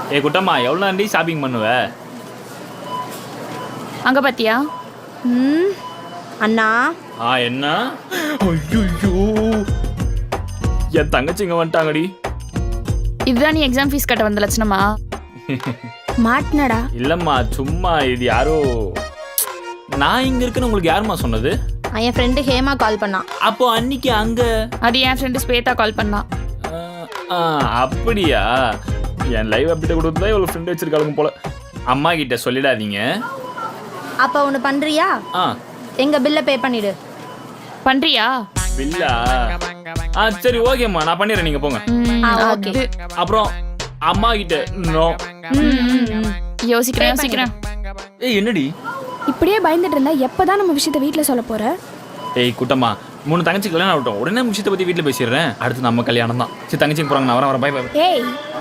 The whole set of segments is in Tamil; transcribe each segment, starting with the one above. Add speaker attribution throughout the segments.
Speaker 1: ஏ குட்டம்மா எவ்வளோ நன்றி ஷாப்பிங் பண்ணுவ?
Speaker 2: அங்கே பார்த்தியா?
Speaker 3: அண்ணா
Speaker 1: என்ன? ஐயோ என் தங்கச்சிங்க வந்துட்டாங்கடி.
Speaker 2: இதுதான் நீ எக்ஸாம் ஃபீஸ் கட்ட வந்த லட்சணமா?
Speaker 3: மாட்டினடா.
Speaker 1: இல்லைம்மா சும்மா இது யாரோ நான் இங்கே இருக்குன்னு உங்களுக்கு யாரும்மா சொன்னது?
Speaker 3: என் ஃப்ரெண்டு ஹேமா கால் பண்ணான்.
Speaker 1: அப்போ அன்னைக்கு அங்கே
Speaker 2: அது என் ஃப்ரெண்டு ஸ்வேதா கால் பண்ணா.
Speaker 1: அப்படியா? என் லைவ் அப்டேட் கொடுத்து தான் இவ்வளோ ஃப்ரெண்டு வச்சிருக்காளுங்க போல. அம்மா கிட்ட சொல்லிடாதீங்க.
Speaker 3: அப்போ ஒன்று பண்ணுறியா? எங்கள் பில்லை பே பண்ணிவிடு.
Speaker 2: பண்ணுறியா?
Speaker 1: பில்லா? சரி ஓகேம்மா நான் பண்ணிடுறேன், நீங்கள் போங்க.
Speaker 3: ஓகே.
Speaker 1: அப்புறம் அம்மா கிட்ட நோ.
Speaker 2: யோசிக்கிறேன்.
Speaker 1: ஏய் என்னடி
Speaker 4: இப்படியே பயந்துட்டு இருந்தா எப்பதான் நம்ம விஷயத்தை வீட்டில் சொல்ல போற?
Speaker 1: ஏய் குட்டம்மா 3 தங்கச்சி கல்யாணம் ஆகட்டும், உடனே விஷயத்தை பற்றி வீட்டில் பேசிடுறேன். அடுத்து நம்ம கல்யாணம் தான். சரி தங்கச்சிக்கு போகிறாங்க, நான் வரேன். பை.
Speaker 4: ஏய்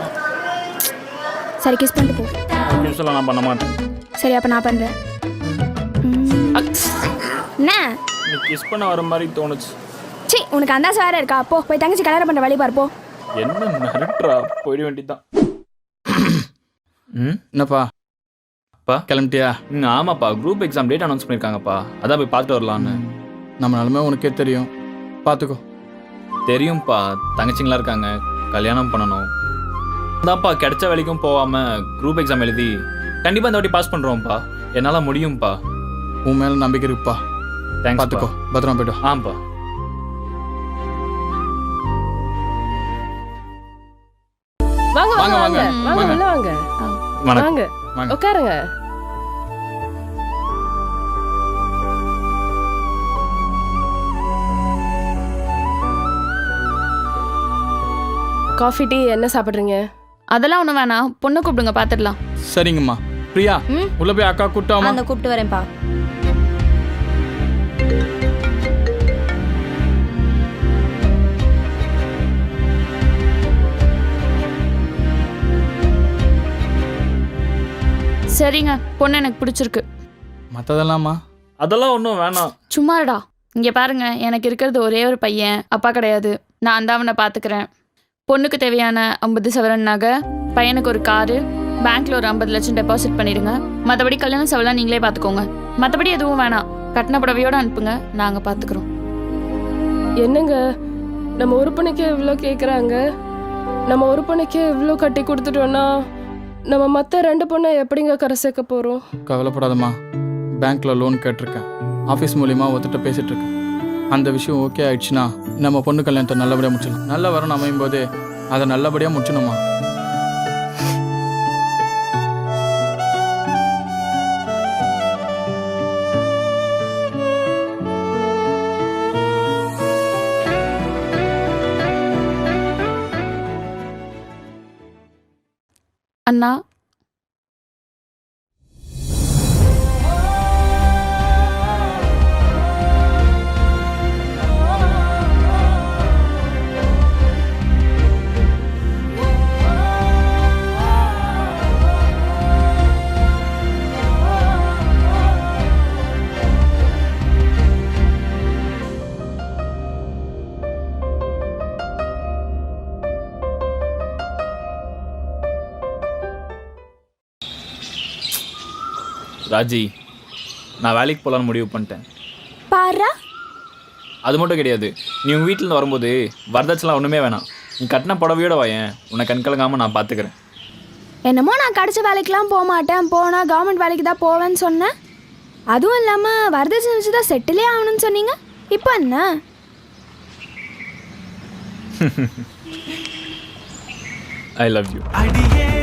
Speaker 4: சரி கிஸ் பண்ணிட்டு போ.
Speaker 1: கிஸ்லாம் நான் பண்ண மாட்டேன்.
Speaker 4: சரி அப்போ நான் பண்ணுறேன். என்ன
Speaker 1: நீ கிஸ் பண்ண வர மாதிரி தோணுச்சு.
Speaker 4: சி உனக்கு அந்த வேற இருக்கா? போ போய் தங்கச்சி கல்யாணம் பண்ணுற வழி பார்ப்போம்.
Speaker 1: என்ன மிரட்டுறா? போயிட வேண்டியதுதான்.
Speaker 5: என்னப்பா
Speaker 1: அப்பா
Speaker 5: கிளம்பிட்டியா?
Speaker 1: ஆமாப்பா, குரூப் எக்ஸாம் டேட் அனௌன்ஸ் பண்ணியிருக்காங்கப்பா, அதான் போய் பார்த்துட்டு வரலான்னு.
Speaker 5: நம்ம நிலமை உனக்கே தெரியும், பார்த்துக்கோ.
Speaker 1: தெரியும்ப்பா, தங்கச்சிங்களா இருக்காங்க, கல்யாணம் பண்ணணும். அதான்ப்பா கிடைச்ச வேலைக்கும் போகாமல் குரூப் எக்ஸாம் எழுதி கண்டிப்பாக இந்த வாட்டி பாஸ் பண்ணுறோம்ப்பா. என்னால் முடியும்ப்பா.
Speaker 5: உன் மேலே நம்பிக்கை இருக்குப்பா.
Speaker 1: தேங்க்ஸ்.
Speaker 5: பார்த்துக்கோ, பத்திரமா போய்ட்டு.
Speaker 1: ஆம்ப்பா.
Speaker 6: வாங்க
Speaker 5: வாங்க,
Speaker 6: வாங்க
Speaker 5: வாங்க.
Speaker 6: வாங்க உள்ள வாங்க.
Speaker 1: வணக்கம்.
Speaker 6: வாங்க
Speaker 5: வாங்க.
Speaker 6: உட்காருங்க. காஃபி டீ என்ன சாப்பிட்றீங்க?
Speaker 2: அதெல்லாம் ஒன்றும் வேணாம், பொண்ணை கூப்பிடுங்க பார்த்துடலாம்.
Speaker 5: சரிங்கம்மா. பிரியா உள்ள போய் அக்கா கூப்பிட்டாமா?
Speaker 3: அந்த கூப்பிட்டு வரேன்ப்பா.
Speaker 2: சரிங்க, பொண்ணு எனக்கு பிடிச்சிருக்கு.
Speaker 5: மற்றதெல்லாமா?
Speaker 1: அதெல்லாம் ஒன்றும் வேணாம்.
Speaker 2: சும்மாடா. இங்கே பாருங்க, எனக்கு இருக்கிறது ஒரே ஒரு பையன், அப்பா கிடையாது. நான் தான் அவனை பார்த்துக்கிறேன். பொண்ணுக்கு தேவையான 50 சவரன் நகை, பையனுக்கு ஒரு காரு, பேங்க்ல ஒரு 50 லட்சம் டெபாசிட் பண்ணிடுங்க. மற்றபடி கல்யாணம் செவலாம் நீங்களே பார்த்துக்கோங்க. மற்றபடி எதுவும் வேணாம், கட்டின புடவையோடு அனுப்புங்க, நாங்கள் பார்த்துக்குறோம்.
Speaker 6: என்னங்க நம்ம உறுப்பினைக்கே இவ்வளோ கேட்குறாங்க. நம்ம உறுப்பினைக்கே இவ்வளோ கட்டி கொடுத்துட்டோன்னா நம்ம மற்ற 2 பொண்ணை எப்படிங்க கரை சேர்க்க போகிறோம்?
Speaker 5: கவலைப்படாதம்மா, பேங்க்கில் லோன் கேட்டிருக்கேன். ஆஃபீஸ் மூலிமா ஒருத்தட்ட பேசிகிட்டு இருக்கேன். அந்த விஷயம் ஓகே ஆயிடுச்சுன்னா நம்ம பொண்ணு கல்யாணத்தை நல்லபடியாக முடிச்சிடலாம். நல்ல வரணும் அமையும் போது அதை நல்லபடியாக முடிச்சணுமா?
Speaker 2: அண்ணா,
Speaker 1: ராஜி, நான் வேலைக்கு போகலான்னு முடிவு பண்ணிட்டேன்.
Speaker 4: பாரா,
Speaker 1: அது மட்டும் கிடையாது, நீ உங்கள் வீட்டிலேருந்து வரும்போது வரதட்சலாம் ஒன்றுமே வேணாம். நீ கட்டின புடவையோட வாயேன், உன்னை கண்கலங்காமல் நான் பார்த்துக்கிறேன்.
Speaker 4: என்னமோ நான் கிடைச்ச வேலைக்கெலாம் போக மாட்டேன், போனால் கவர்மெண்ட் வேலைக்கு தான் போவேன்னு சொன்னேன். அதுவும் இல்லாமல் வரதட்சணை வச்சு தான் செட்டிலே ஆகணும்னு சொன்னீங்க. இப்போ என்ன?
Speaker 1: I love you.